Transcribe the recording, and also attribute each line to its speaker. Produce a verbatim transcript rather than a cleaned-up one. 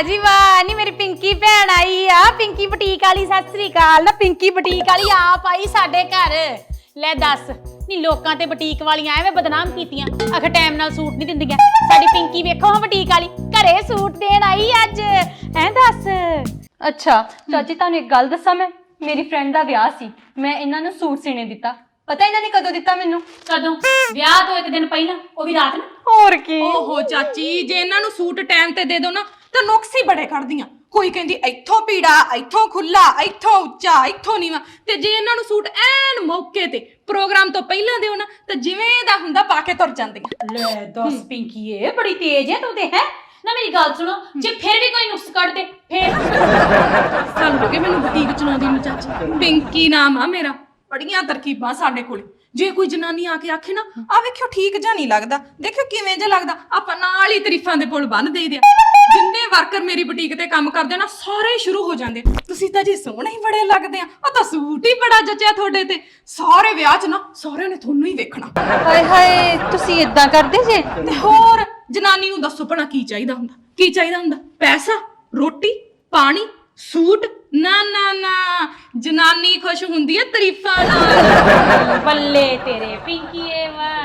Speaker 1: जी वाह नी मेरी पिंकी भैन आई आ पिंकी बुटीक वाली सत श्री अकाल ना पिंकी बुटीक वाली आप आई साडे घर ले दस नी लोकां ते बुटीक वालियां एवें बदनाम कीतियां आख टाइम नाल सूट नहीं दिंदियां साडी पिंकी वेखो हां बुटीक वाली घरे सूट देण आई अज हैं दस
Speaker 2: अच्छा चाची तुहानू एक गल दस्सां मैं मेरी फ्रेंड दा विआह सी मैं इन्हां नू सूट सीने दिता पता इन्हां ने कदों दिता मैनू
Speaker 1: कदों विआह तो एक दिन पहिला ओ भी रात नू
Speaker 2: और की
Speaker 3: ओहो चाची जे इन्हां नू सूट टाइम ते दे दो ना ਤਾਂ ਨੁਕਸ ਹੀ ਬੜੇ ਕੱਢਦੀਆਂ ਕੋਈ ਕਹਿੰਦੀ ਇੱਥੋਂ ਪੀੜਾ ਇੱਥੋਂ ਖੁੱਲਾ ਇੱਥੋਂ ਉੱਚਾ ਇੱਥੋਂ ਨੀਵਾਂ ਤੇ ਜੇ ਇਹਨਾਂ ਨੂੰ ਸੂਟ ਐਨ ਮੌਕੇ ਤੇ ਪ੍ਰੋਗਰਾਮ ਤੋਂ ਪਹਿਲਾਂ ਦਿਓ ਨਾ ਤਾਂ ਜਿਵੇਂ ਦਾ ਹੁੰਦਾ ਪਾ ਕੇ ਤੁਰ ਜਾਂਦੀਆਂ
Speaker 1: ਲੈ ਦਸ ਪਿੰਕੀ ਇਹ ਬੜੀ ਤੇਜ਼ ਹੈ ਤੂੰ ਤੇ ਹੈ ਨਾ ਮੇਰੀ ਗੱਲ ਸੁਣੋ ਜੇ ਫਿਰ ਵੀ ਕੋਈ ਨੁਕਸ ਕੱਢ ਦੇ ਫਿਰ
Speaker 3: ਸਾਨੂੰ ਲੱਗੇ ਮੈਨੂੰ ਬੁਟੀਕ ਚਲਾਉਂਦੀ ਨੂੰ ਚਾਚੀ ਪਿੰਕੀ ਨਾਮ ਆ ਮੇਰਾ ਬੜੀਆਂ ਤਰਕੀਬਾਂ ਸਾਡੇ ਕੋਲੇ ਜੇ ਕੋਈ ਜਨਾਨੀ ਆ ਕੇ ਆਖੇ ਨਾ ਆ ਵੇਖਿਓ ਠੀਕ ਜਾਂ ਨਹੀਂ ਲੱਗਦਾ ਦੇਖਿਓ ਕਿਵੇਂ ਜਿਹਾ ਲੱਗਦਾ ਆਪਾਂ ਨਾਲ ਹੀ ਤਾਰੀਫਾਂ ਦੇ ਪੁੱਲ ਬੰਨ ਦੇਈਦੇ ਆ ਜਿੰਨੇ ਵਰਕਰ ਮੇਰੀ ਬੁਟੀਕ ਤੇ ਕੰਮ ਕਰਦੇ ਨਾ ਸਾਰੇ ਸ਼ੁਰੂ ਹੋ ਜਾਂਦੇ ਤੁਸੀਂ ਤਾਂ ਜੀ ਸੋਹਣੇ ਹੀ ਬੜੇ ਲੱਗਦੇ ਆ ਉਹ ਤਾਂ ਸੂਟ ਹੀ ਬੜਾ ਜਚਿਆ ਤੁਹਾਡੇ ਤੇ ਸਾਰੇ ਵਿਆਹ 'ਚ ਨਾ ਸਾਰਿਆਂ ਨੇ ਤੁਹਾਨੂੰ ਹੀ ਵੇਖਣਾ
Speaker 2: ਹਾਏ ਹਾਏ ਤੁਸੀਂ ਇਦਾਂ ਕਰਦੇ ਜੇ
Speaker 3: ਤੇ ਹੋਰ ਜਨਾਨੀ ਨੂੰ ਦੱਸੋ ਭਣਾ ਕੀ ਚਾਹੀਦਾ ਹੁੰਦਾ ਕੀ ਚਾਹੀਦਾ ਹੁੰਦਾ ਪੈਸਾ ਰੋਟੀ ਪਾਣੀ ਸੂਟ ਨਾ ਨਾ ਨਾ ਜਨਾਨੀ ਖੁਸ਼ ਹੁੰਦੀ ਹੈ ਤਾਰੀਫਾਂ ਨਾਲ
Speaker 1: ਬੱਲੇ ਤੇਰੇ ਪਿੰਕੀਏ ਵਾ